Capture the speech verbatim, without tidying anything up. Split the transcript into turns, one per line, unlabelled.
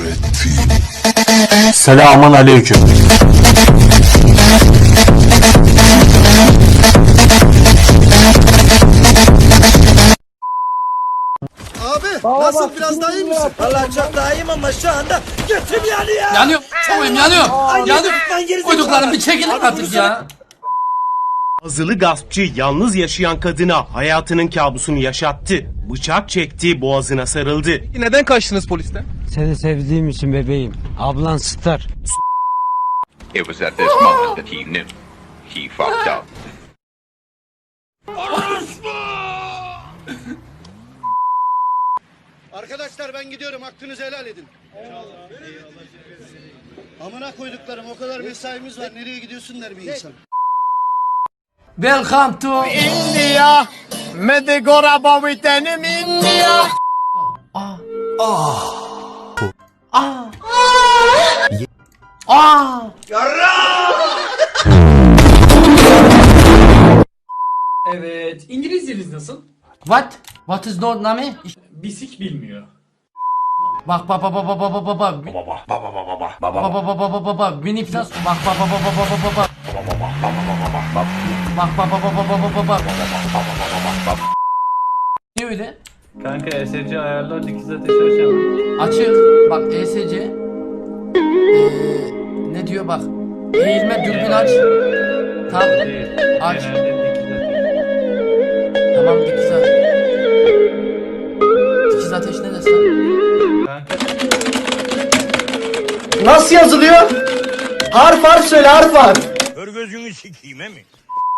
Selamun aleyküm.
Abi nasıl biraz daha iyi misin?
Vallahi çok daha iyiyim ama şu anda götüm yanıyor.
Yanıyorum. Çoğuyum yanıyorum. Yanıyorum.
Yanıyorum.
Koyduklarım bir çekilin artık ya.
Azılı gaspçı yalnız yaşayan kadına hayatının kabusunu yaşattı. Bıçak çekti, boğazına sarıldı.
Neden kaçtınız polisten?
Seni sevdiğim için bebeğim. Ablan Star.
It was at this moment that he knew he fucked up.
Arkadaşlar ben gidiyorum, hakkınızı helal edin. Amına koyduklarım, o kadar mesaimiz var, nereye gidiyorsun der bir insan.
Welcome to
India. Medigora bavitenim India.
Evet. İngilizceniz nasıl?
what? What is your name?
Bisik bilmiyor.
Bak bak bak bak bak bak bak bak bak bak bak bak bak bak bak Winnie Plus bak bak bak bak bak bak bak bak bak bak bak bak bak bak bak. Ne öyle?
Kanka E S C ayarlar dikiz ateşi açalım.
Açık. Bak E S C. Eee ne diyor bak. Eğilme dürbün aç. Tam aç.
Genelde dikiz ateşi.
Tamam dikiz ateş. Dikiz ateş ne desin?
Kanka
Nasıl yazılıyor? Harf harf söyle harf harf.
Kör gözünü sikeyim he mi?